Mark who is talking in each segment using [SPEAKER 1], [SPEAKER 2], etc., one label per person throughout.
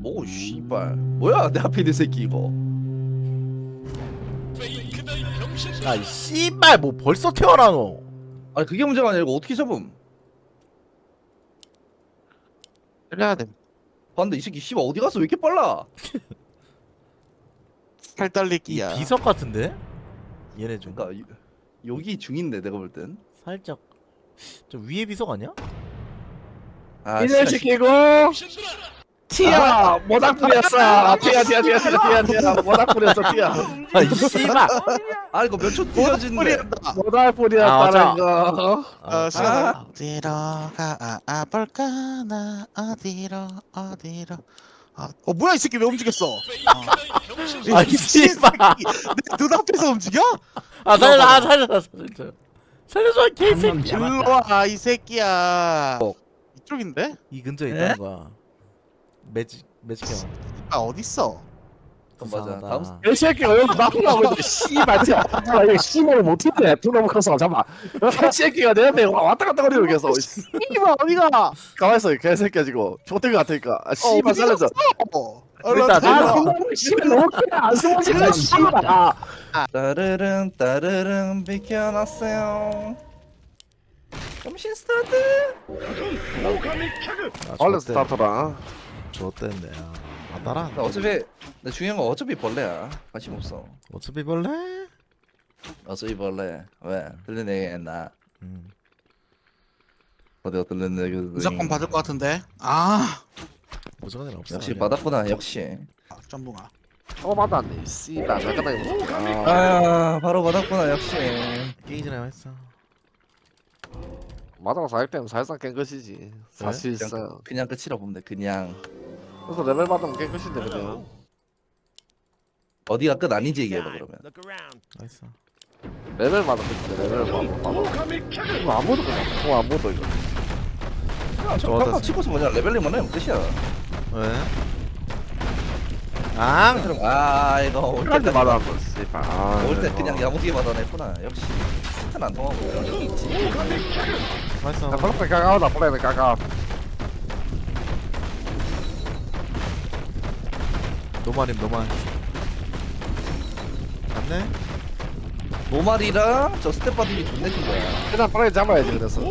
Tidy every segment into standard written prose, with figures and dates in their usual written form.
[SPEAKER 1] 오 씨발 뭐야 내 앞에 있는 새끼 이거.
[SPEAKER 2] 야이 씨발 뭐 벌써 태어나노.
[SPEAKER 1] 아니 그게 문제가 아니라 이거 어떻게 잡음.
[SPEAKER 3] 때려야 돼.
[SPEAKER 1] 봤는데 이 새끼 씨발 어디 갔어 왜 이렇게 빨라.
[SPEAKER 3] 팔
[SPEAKER 2] 이
[SPEAKER 3] 달리기야.
[SPEAKER 2] 비석 같은데? 얘네 좀
[SPEAKER 1] 그러니까 여기 중인데 내가 볼 땐.
[SPEAKER 2] 살짝 좀 위에 비석 아니야?
[SPEAKER 1] 아
[SPEAKER 4] 이들 시키고 티야 모닥 뿌렸어. 티야 모닥 뿌렸어 티야.
[SPEAKER 2] 아이 씨발.
[SPEAKER 1] 아 이거 몇 초 뛰어진데.
[SPEAKER 4] 모닥 뿌렸다는 거.
[SPEAKER 3] 시간 어디로 가볼까 나 어디로 뭐야 이 새끼 왜 움직였어?
[SPEAKER 2] 아이 씨발.
[SPEAKER 3] 내 눈앞에서 움직여?
[SPEAKER 2] 아 살려줘. 살려줘 개새끼.
[SPEAKER 3] 일로 와이 새끼야. 이쪽인데?
[SPEAKER 2] 이 근처에 있다는 거야. 매직 형.
[SPEAKER 3] 아 어딨어?
[SPEAKER 1] 맞아.
[SPEAKER 2] 이상하다.
[SPEAKER 4] 이 새끼가 여기 나쁘다고 했는데 씨발 티야. 이거 씨발을 못했네. 두놈 커서 잠깐. 이 새끼가 내 앞에 왔다 갔다 거리고 계속. 씨발 어디가? 가만 있어 개새끼야 지금. 족대기 같으니까. 아 씨발 살려줘.
[SPEAKER 2] 일단
[SPEAKER 4] 아 씨발 너무 안 숨어지네 씨발.
[SPEAKER 1] 따르릉 비켜놨어요. 점심 스타트.
[SPEAKER 4] 얼른 스타트라.
[SPEAKER 2] 좋댔네. 안 따라.
[SPEAKER 1] 나 어차피 나 중요한 건 어차피 벌레야. 관심 없어.
[SPEAKER 2] 어차피 벌레.
[SPEAKER 1] 어차피 벌레. 왜 들리네 나
[SPEAKER 2] 음.
[SPEAKER 1] 어디가 들리네.
[SPEAKER 3] 무조건 받을 것 같은데. 아
[SPEAKER 2] 무조건 없어.
[SPEAKER 1] 역시 받았구나 역시.
[SPEAKER 3] 짬뽕아.
[SPEAKER 4] 받았네. 씨발 내가 이거.
[SPEAKER 1] 아 바로 받았구나 역시.
[SPEAKER 2] 게임 전에 했어.
[SPEAKER 4] 마다가 400대면 사실상 깬 것이지. 사실상.
[SPEAKER 1] 그냥 끝이라 보면 돼. 그냥
[SPEAKER 4] 그래서 레벨 받으면 깬 것인데 그냥.
[SPEAKER 1] 어디가 끝 아닌지 얘기해봐 그러면.
[SPEAKER 2] 나이스.
[SPEAKER 4] 레벨 받으면 끝인데 레벨 받으면. 이거 아무도 그냥. 그거 아무도 이거.
[SPEAKER 1] 저
[SPEAKER 2] 좋았다.
[SPEAKER 1] kakao 치고서 뭐냐 레벨링만 하면 끝이야.
[SPEAKER 2] 왜? 앙.
[SPEAKER 1] 그럼 아 이거 올
[SPEAKER 4] 끝까지
[SPEAKER 1] 때까지
[SPEAKER 4] 받아 한번 씨발.
[SPEAKER 1] 올때 그냥 야무지게 받아냈구나. 역시 스탄 안 통하고 이런 게 있지.
[SPEAKER 2] 나이스.
[SPEAKER 4] 플레이 까까오다 플레이 까까.
[SPEAKER 2] 노말임 노말. 맞네?
[SPEAKER 1] 노말이랑 저 스텝 받은 게 존나 큰 거야.
[SPEAKER 4] 일단 플레이 잡아야지 그래서.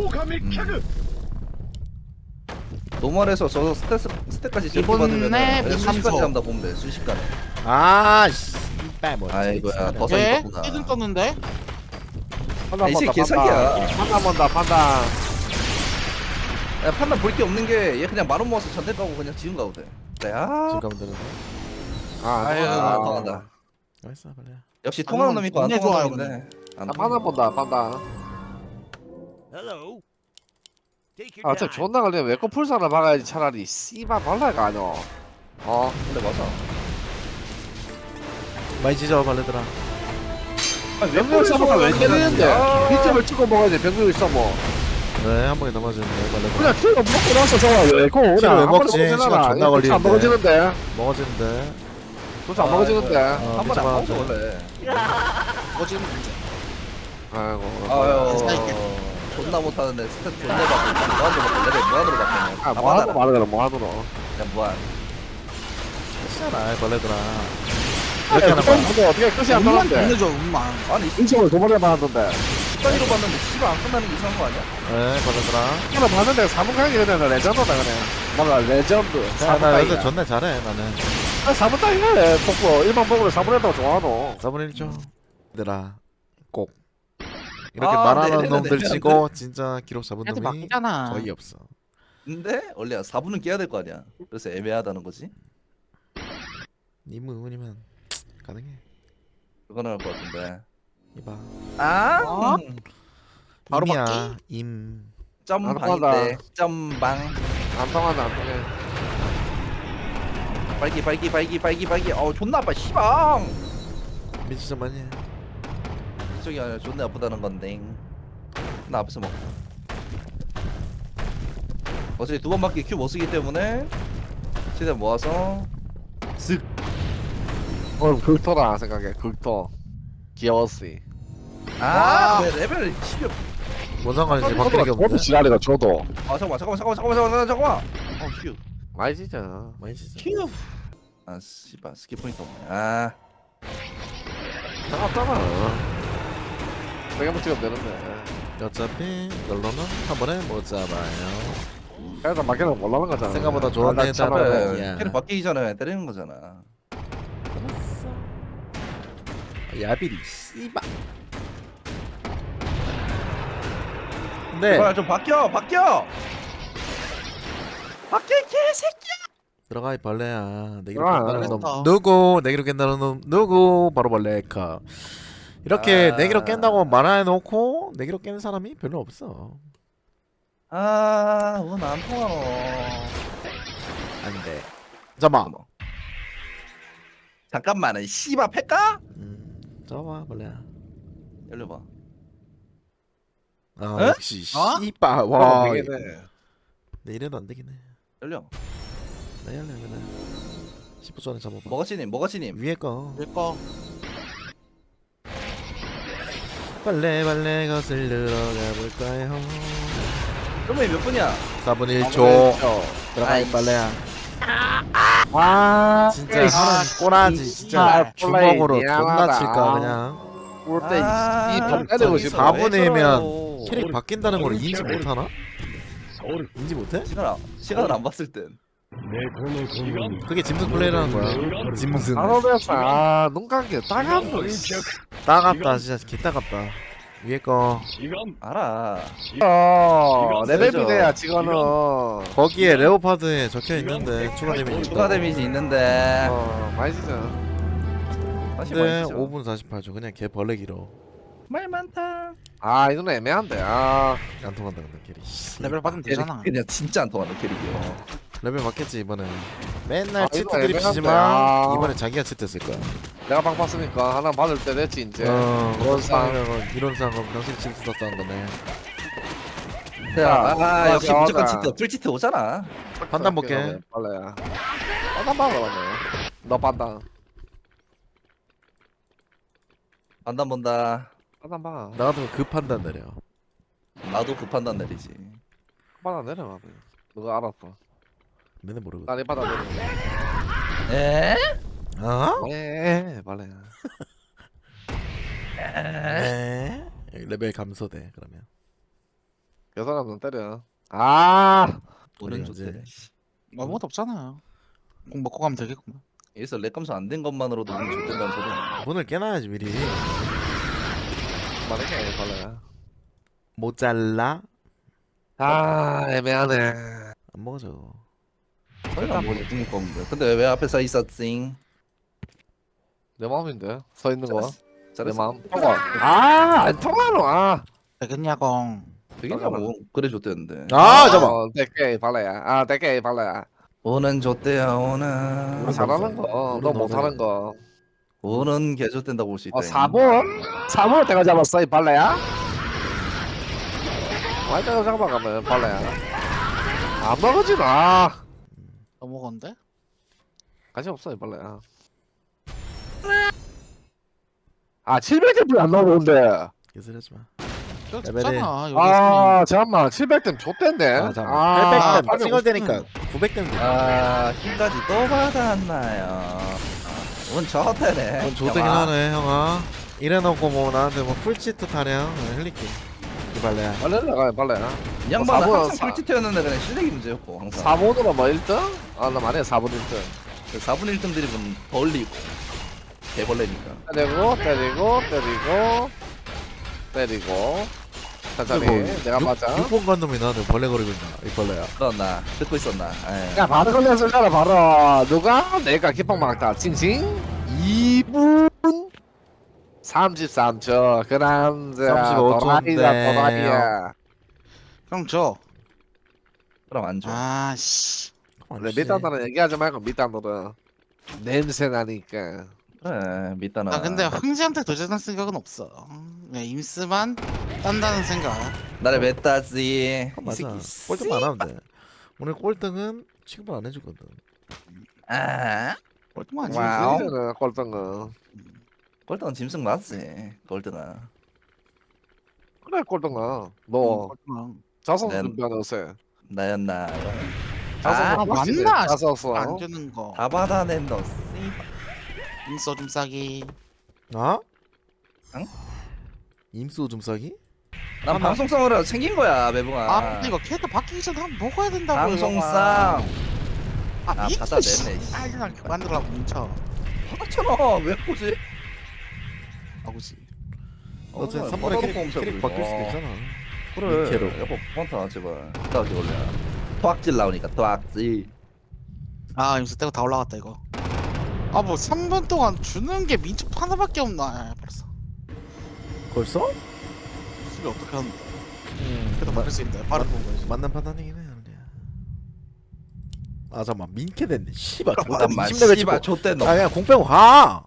[SPEAKER 1] 노말에서 저 스텝까지 제거
[SPEAKER 3] 이번에
[SPEAKER 1] 받으면 그냥 순식간에
[SPEAKER 3] 민감소.
[SPEAKER 1] 잡는다 보면 돼. 순식간에.
[SPEAKER 2] 아 씨발 뭐.
[SPEAKER 1] 아이고야, 버섯
[SPEAKER 3] 왜?
[SPEAKER 1] 있었구나.
[SPEAKER 3] 시즌 떴는데?
[SPEAKER 1] 이 새끼 개사기야.
[SPEAKER 4] 판단 본다 판단.
[SPEAKER 1] 야 판단 볼 게 없는 게 얘 그냥 만원 모아서 전대 가고 그냥 지금 가도 돼. 네, 아
[SPEAKER 2] 지금 가면 되는데.
[SPEAKER 3] 아유,
[SPEAKER 1] 통한다.
[SPEAKER 2] 나이스 벌레.
[SPEAKER 1] 역시 통하는 놈 있고 안
[SPEAKER 3] 존나
[SPEAKER 1] 통하는
[SPEAKER 3] 좋아요,
[SPEAKER 1] 놈인데. 안 통해.
[SPEAKER 4] 판단 본다 판단. 아 진짜 존나 걸리면 왜코 풀사를 박아야지 차라리. 씨발 벌레가 아니오.
[SPEAKER 1] 근데 맞아.
[SPEAKER 2] 많이 찢어 벌레들아.
[SPEAKER 4] 병력 써먹가 왜 때리는데? 빗점을 찍고 먹어야지 병력이 써먹.
[SPEAKER 2] 네, 한 번에 넘어지는데 벌레들.
[SPEAKER 4] 그냥 키로 먹고 나서 저거 왜코
[SPEAKER 2] 키로
[SPEAKER 4] 그냥
[SPEAKER 2] 왜
[SPEAKER 4] 한 번에
[SPEAKER 2] 먹지?
[SPEAKER 4] 먹잖아.
[SPEAKER 2] 시간 존나
[SPEAKER 4] 이거 도대체 안
[SPEAKER 2] 걸리는데.
[SPEAKER 4] 먹어지는데?
[SPEAKER 2] 먹어지는데.
[SPEAKER 4] 도대체 안 먹어지는데?
[SPEAKER 1] 한 번에 안
[SPEAKER 2] 미쳐봐.
[SPEAKER 1] 먹어 원래.
[SPEAKER 3] 어지는 문제.
[SPEAKER 4] 아이고.
[SPEAKER 1] 아유 존나 못하는데 스탯 존나 받고 무한으로 받고 레벨 무한으로 받고
[SPEAKER 4] 아 뭐하노 말하더라 뭐하노.
[SPEAKER 1] 그냥 무한.
[SPEAKER 2] 괜찮아 벌레들아.
[SPEAKER 4] 이렇게
[SPEAKER 2] 이렇게 하는 거야.
[SPEAKER 4] 근데 어떻게 끝이 안
[SPEAKER 3] 운만
[SPEAKER 4] 나는데?
[SPEAKER 3] 끝내줘 운만.
[SPEAKER 1] 아니
[SPEAKER 4] 인정을 두 번에 받았는데.
[SPEAKER 1] 습관으로 봤는데 씨발 안 끝나는 게 이상한 거 아니야?
[SPEAKER 2] 네 벌레들아.
[SPEAKER 4] 하나 봤는데 4분 강이 그냥 레전드다 그냥. 뭔가 레전드.
[SPEAKER 2] 야,
[SPEAKER 4] 4분
[SPEAKER 2] 나 요새
[SPEAKER 4] 강이야.
[SPEAKER 2] 존나 잘해 나는.
[SPEAKER 4] 4분 강이네. 복부 일반 복부를 4분 했다고 좋아하노.
[SPEAKER 2] 4분의 1죠. 얘들아 꼭 이렇게
[SPEAKER 1] 아,
[SPEAKER 2] 말하는
[SPEAKER 1] 네네네,
[SPEAKER 2] 놈들
[SPEAKER 1] 네네네.
[SPEAKER 2] 치고 진짜 기록 잡은
[SPEAKER 3] 걔한테
[SPEAKER 2] 놈이
[SPEAKER 3] 맡기잖아.
[SPEAKER 2] 거의 없어.
[SPEAKER 1] 근데 원래 4분은 깨야 될 거 아니야. 그래서 애매하다는 거지.
[SPEAKER 2] 님 의원이면 가능해.
[SPEAKER 1] 그거는 할 것 같은데.
[SPEAKER 2] 이봐.
[SPEAKER 1] 아?
[SPEAKER 3] 어? 바로
[SPEAKER 2] 임이야
[SPEAKER 3] 받기?
[SPEAKER 2] 임.
[SPEAKER 1] 점방인데 점방.
[SPEAKER 4] 안 통한다 안 통해.
[SPEAKER 1] 발기. 어우 존나 아파 씨방.
[SPEAKER 2] 미치자 많이 해.
[SPEAKER 1] 이쪽이 아니라 존나 아프다는 건데. 나 앞에서 먹. 어차피 두 번밖에 큐 못 쓰기 때문에 최대한 모아서 쓱.
[SPEAKER 4] 극토라 생각해 극토. 귀여웠지.
[SPEAKER 1] 아, 왜 레벨 10이
[SPEAKER 2] 뭔 상관이지 바뀌는 게
[SPEAKER 4] 저도
[SPEAKER 2] 없는데.
[SPEAKER 4] 지랄이가 저도.
[SPEAKER 1] 잠깐만. 어, 휴.
[SPEAKER 4] 많이 지죠.
[SPEAKER 2] 많이 진짜.
[SPEAKER 3] 큐.
[SPEAKER 1] 아 씨발 스킵 포인트 없네. 아
[SPEAKER 4] 나갔잖아. 내가 못 찍으면 되는데.
[SPEAKER 2] 어차피 이걸로는 한 번에 못 잡아요.
[SPEAKER 4] 일단 막기는 몰라는 거잖아.
[SPEAKER 2] 생각보다 좋았네,
[SPEAKER 4] 나 참아.
[SPEAKER 2] 다들.
[SPEAKER 1] 그래
[SPEAKER 2] 야.
[SPEAKER 1] 캐릭 바뀌기 전에 때리는 거잖아.
[SPEAKER 2] 끝났어. 야비리 씨발. 근데
[SPEAKER 1] 제발 좀 바뀌어 바뀌어. 바뀌어 개새끼.
[SPEAKER 2] 들어가 이 벌레야. 내기로
[SPEAKER 4] 아,
[SPEAKER 2] 깬다는 놈
[SPEAKER 3] 알았어.
[SPEAKER 2] 누구? 내기로 깬다는 놈 누구? 바로 벌레카. 이렇게
[SPEAKER 1] 아.
[SPEAKER 2] 내기로 깬다고 말해놓고 내기로 깨는 사람이 별로 없어.
[SPEAKER 1] 아운안 통하노.
[SPEAKER 2] 안돼. 잠깐만.
[SPEAKER 1] 잠깐만은 씨발 패까?
[SPEAKER 2] 잡아 벌레야.
[SPEAKER 1] 열려봐.
[SPEAKER 2] 아
[SPEAKER 1] 에?
[SPEAKER 2] 역시
[SPEAKER 3] 어?
[SPEAKER 2] 씨발. 와.
[SPEAKER 4] 되게
[SPEAKER 2] 내 이래도 안 되긴 해.
[SPEAKER 1] 열려.
[SPEAKER 2] 나 열려 그냥. 10분 전에 잡아봐.
[SPEAKER 1] 머거치님
[SPEAKER 2] 위에 거.
[SPEAKER 3] 내거
[SPEAKER 2] 빨래 거슬러 가볼까요?
[SPEAKER 1] 그러면 몇 분이야?
[SPEAKER 2] 4분 1초. 들어가 이
[SPEAKER 1] 아이씨.
[SPEAKER 2] 빨래야.
[SPEAKER 4] 아,
[SPEAKER 2] 진짜 하는 꼬라지 진짜 주먹으로 존나 칠까 그냥.
[SPEAKER 4] 볼때
[SPEAKER 1] 아,
[SPEAKER 4] 이발 때리고
[SPEAKER 1] 저기서
[SPEAKER 4] 싶어.
[SPEAKER 2] 4분이면 캐릭 바뀐다는 걸 인지 못하나? 인지 못해?
[SPEAKER 1] 시간을 안 봤을 땐.
[SPEAKER 2] 그게 짐승 플레이라는 거야. 짐승.
[SPEAKER 4] 바로에서 눈 감기 따갑고.
[SPEAKER 2] 따갑다 진짜 개 따갑다. 위에 거
[SPEAKER 1] 알아.
[SPEAKER 4] 레벨이 돼야 지금은.
[SPEAKER 2] 거기에 레오파드에 적혀 있는데 추가 데미지
[SPEAKER 1] 추가
[SPEAKER 2] 있다고.
[SPEAKER 1] 데미지 있는데.
[SPEAKER 4] 많이 지죠.
[SPEAKER 1] 다시
[SPEAKER 2] 근데
[SPEAKER 1] 말이죠.
[SPEAKER 2] 5분 48초 그냥 개 벌레 길어.
[SPEAKER 1] 말 많다.
[SPEAKER 4] 아 이거는 애매한데. 아
[SPEAKER 2] 안 통한다 근데 캐릭.
[SPEAKER 3] 레벨 받으면 되잖아.
[SPEAKER 1] 그냥 진짜 안 통하는 캐릭이요.
[SPEAKER 2] 레벨 맞겠지 이번에. 맨날
[SPEAKER 4] 아,
[SPEAKER 2] 치트
[SPEAKER 4] 이거
[SPEAKER 2] 드립
[SPEAKER 4] 애매한데.
[SPEAKER 2] 치지만
[SPEAKER 4] 아.
[SPEAKER 2] 이번에 자기가 치트 쓸 거야.
[SPEAKER 4] 내가 방 봤으니까 하나 받을 때 됐지 이제.
[SPEAKER 2] 그런 상황이면 이런 상황 당신 치트 썼다는 거네.
[SPEAKER 1] 아 역시
[SPEAKER 4] 맞아,
[SPEAKER 1] 무조건
[SPEAKER 4] 맞아.
[SPEAKER 1] 치트. 풀치트 오잖아.
[SPEAKER 2] 판단 볼게.
[SPEAKER 4] 빨래야. 판단 봐라 맞네. 너 판단.
[SPEAKER 1] 판단 본다.
[SPEAKER 4] 판단 봐.
[SPEAKER 2] 나 같으면 그 판단 내려.
[SPEAKER 1] 나도 그 판단 내리지.
[SPEAKER 4] 판단 내려가. 누가 알았어.
[SPEAKER 2] 맨날 모르거든.
[SPEAKER 4] 난이 판단 내려.
[SPEAKER 1] 에?
[SPEAKER 2] 어?
[SPEAKER 4] 빨래야.
[SPEAKER 2] 네. 레벨 감소돼 그러면.
[SPEAKER 4] 그 사람은 때려. 아.
[SPEAKER 1] 오는
[SPEAKER 2] 그래야지.
[SPEAKER 1] 좋대.
[SPEAKER 3] 아무것도 없잖아요. 공 먹고 가면 되겠구만.
[SPEAKER 1] 여기서 렉 감소 안 된 것만으로도 운이 좋된다는 소리야.
[SPEAKER 2] 문을 깨놔야지 미리.
[SPEAKER 4] 말해 빨래야.
[SPEAKER 2] 모잘라
[SPEAKER 4] 아 애매하네.
[SPEAKER 2] 안 먹어줘.
[SPEAKER 1] 설마 뭐 중일 건데. 근데 왜 앞에 서 있었지?
[SPEAKER 4] 내 마음인데 서 있는 거. 내
[SPEAKER 1] 잘했어.
[SPEAKER 4] 마음. 아안 통하노. 아.
[SPEAKER 3] 되겠냐공.
[SPEAKER 1] 되겠냐고. 그래 줬대는데.
[SPEAKER 2] 아 잠깐.
[SPEAKER 4] 대게 발라야. 아 대게 발라야.
[SPEAKER 1] 오는 줬대야 오는.
[SPEAKER 4] 너 잘하는 거. 너 못하는 거.
[SPEAKER 1] 오는 개 줬댄다고 볼 수 있다.
[SPEAKER 4] 4번? 4번 내가 잡았어 이 발라야. 완전 잡아가면 발라야. 안 먹어지 마.
[SPEAKER 3] 넘어건데?
[SPEAKER 4] 관심 없어 이 발라야. 아 700점 안 나오는데.
[SPEAKER 2] 개소리하지 마.
[SPEAKER 3] 저
[SPEAKER 2] 레벨이-
[SPEAKER 3] 죽잖아. 여기
[SPEAKER 4] 아 잠깐만 700점 좆된데.
[SPEAKER 2] 아 잠깐. 800점
[SPEAKER 4] 빨리
[SPEAKER 2] 찍을 때니까 900점.
[SPEAKER 1] 아 힘까지 또 받았나요? 운 좋대네.
[SPEAKER 2] 그건 좋대긴 하네 형아. 이래놓고 뭐 나한테 뭐 풀치트 타령 흘릴게. 이 발레야.
[SPEAKER 4] 발라야 발라야.
[SPEAKER 1] 이 양반은
[SPEAKER 4] 사번-
[SPEAKER 1] 항상 풀치트였는데 그냥 실력이 문제였고 항상.
[SPEAKER 4] 4번으로 뭐 1등? 아 나 만약에 4번 1등.
[SPEAKER 1] 4분 1등 드립은 벌리고 개벌레니까.
[SPEAKER 4] 때리고 천천히 내가 맞아.
[SPEAKER 2] 6번 간 놈이 나한테 벌레 거리고 있나 이 벌레야.
[SPEAKER 1] 그렇나 듣고 있었나. 에이.
[SPEAKER 4] 야 바로 걸렸을잖아 바로. 누가? 내가 기빵 막다 칭칭 2분 33초 그 남자
[SPEAKER 2] 35초 인데.
[SPEAKER 4] 도라이야.
[SPEAKER 3] 형 저.
[SPEAKER 1] 그럼 안 줘.
[SPEAKER 3] 아씨.
[SPEAKER 4] 원래 밑단들은 얘기하지 말고 밑단들은 냄새 나니까.
[SPEAKER 1] 그래 밑단아.
[SPEAKER 3] 아 근데 흥지한테 도전할 생각은 없어. 그냥 임스만 딴다는 생각.
[SPEAKER 1] 나를 몇 따지. 이
[SPEAKER 2] 맞아.
[SPEAKER 1] 새끼
[SPEAKER 2] 꼴등 안 하면 돼. 오늘 꼴등은 취급 안 해주거든.
[SPEAKER 1] 아
[SPEAKER 3] 꼴등만
[SPEAKER 1] 와우.
[SPEAKER 3] 아니지.
[SPEAKER 4] 꼴등은 꼴등은
[SPEAKER 1] 꼴등은 짐승 맞지. 꼴등아.
[SPEAKER 4] 그래 꼴등은 너
[SPEAKER 3] 꼴등은.
[SPEAKER 4] 자선
[SPEAKER 1] 네.
[SPEAKER 4] 준비하는 요새
[SPEAKER 1] 나였나. 아,
[SPEAKER 3] 맞나?
[SPEAKER 4] 자서서
[SPEAKER 3] 안 주는 거.
[SPEAKER 1] 다 받아낸 너 씨발.
[SPEAKER 3] 임소 좀 싸기.
[SPEAKER 2] 어?
[SPEAKER 1] 응?
[SPEAKER 2] 임수 좀 싸기?
[SPEAKER 1] 난 방송성으로 챙긴 거야 매붕아.
[SPEAKER 3] 아 근데 이거 캐릭터 바뀌기 전에 한번 먹어야 된다고.
[SPEAKER 1] 방송상
[SPEAKER 3] 아
[SPEAKER 1] 아,
[SPEAKER 3] 미쳐.
[SPEAKER 1] 받아냈네, 씨.
[SPEAKER 3] 아 그냥 만들라고 뭉쳐.
[SPEAKER 1] 하잖아 왜 보지?
[SPEAKER 3] 아구지.
[SPEAKER 2] 너 지금
[SPEAKER 1] 어,
[SPEAKER 2] 3번에
[SPEAKER 1] 받아놓고
[SPEAKER 2] 캐릭
[SPEAKER 1] 엄청
[SPEAKER 2] 바뀔 수도
[SPEAKER 1] 어.
[SPEAKER 2] 있잖아.
[SPEAKER 1] 그래
[SPEAKER 2] 민캐로.
[SPEAKER 1] 여보 번타 제발 따게 올려. 토악질 나오니까 토악질.
[SPEAKER 3] 아 임소 때가 다 올라갔다 이거. 아 뭐 3분 동안 주는 게 민첩 하나밖에 없나. 아, 벌써.
[SPEAKER 2] 벌써?
[SPEAKER 3] 수비 어떻게 하는데?
[SPEAKER 2] 음,
[SPEAKER 3] 그래도 바뀔 수 있는데. 빠른 본 거지.
[SPEAKER 2] 맞는 판단이긴 해. 근데. 아 잠만 민캐 됐네. 씨발.
[SPEAKER 1] 잠깐만
[SPEAKER 2] 20레벨
[SPEAKER 1] 씨발
[SPEAKER 2] 찍고.
[SPEAKER 1] 좆대 너.
[SPEAKER 2] 아 그냥 공 빼고 가.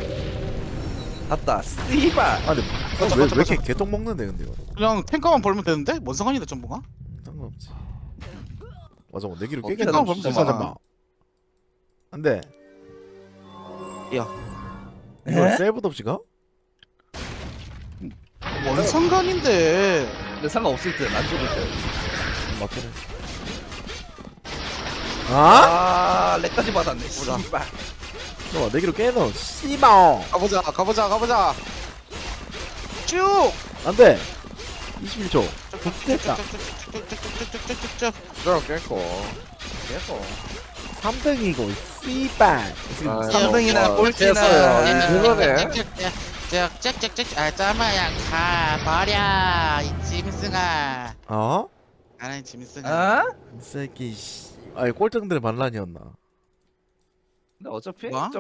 [SPEAKER 1] 갔다 씨발.
[SPEAKER 2] 아 근데
[SPEAKER 3] 맞아,
[SPEAKER 2] 왜
[SPEAKER 3] 맞아,
[SPEAKER 2] 이렇게
[SPEAKER 3] 맞아.
[SPEAKER 2] 개똥 먹는데 근데 이거.
[SPEAKER 3] 그냥 탱커만 벌면 되는데? 뭔 상관인데 전부가?
[SPEAKER 2] 상관없지. 맞아 뭐 내기로
[SPEAKER 1] 어떻게
[SPEAKER 2] 깨겠다.
[SPEAKER 3] 하나
[SPEAKER 2] 잠깐만.
[SPEAKER 3] 벌면
[SPEAKER 2] 안돼.
[SPEAKER 3] 야.
[SPEAKER 2] 이거
[SPEAKER 1] 에?
[SPEAKER 2] 셀브도 없이 가?
[SPEAKER 3] 뭔 상관인데?
[SPEAKER 1] 근데 상관없을 때안 죽을 때.
[SPEAKER 2] 맞긴 해. 아?
[SPEAKER 1] 아 렉까지 받았네 씨발.
[SPEAKER 2] 너 내기로 깨너. 씨발.
[SPEAKER 3] 가보자. 쭉.
[SPEAKER 2] 안돼. 21초. 됐다.
[SPEAKER 3] 쭉쭉쭉쭉쭉쭉쭉쭉쭉쭉쭉.
[SPEAKER 4] 그럼 깰거
[SPEAKER 2] 3등이고 씨발.
[SPEAKER 4] 아,
[SPEAKER 1] 3등이나 꼴찌나.
[SPEAKER 4] 그거네.
[SPEAKER 3] 쭉쭉쭉쭉. 아 짜마야 가버려 이 짐승아.
[SPEAKER 2] 어?
[SPEAKER 3] 나는 짐승아.
[SPEAKER 1] 아?
[SPEAKER 2] 이 새끼 씨. 아니 꼴등들의 반란이었나?
[SPEAKER 1] 근데 어차피
[SPEAKER 3] 뭐?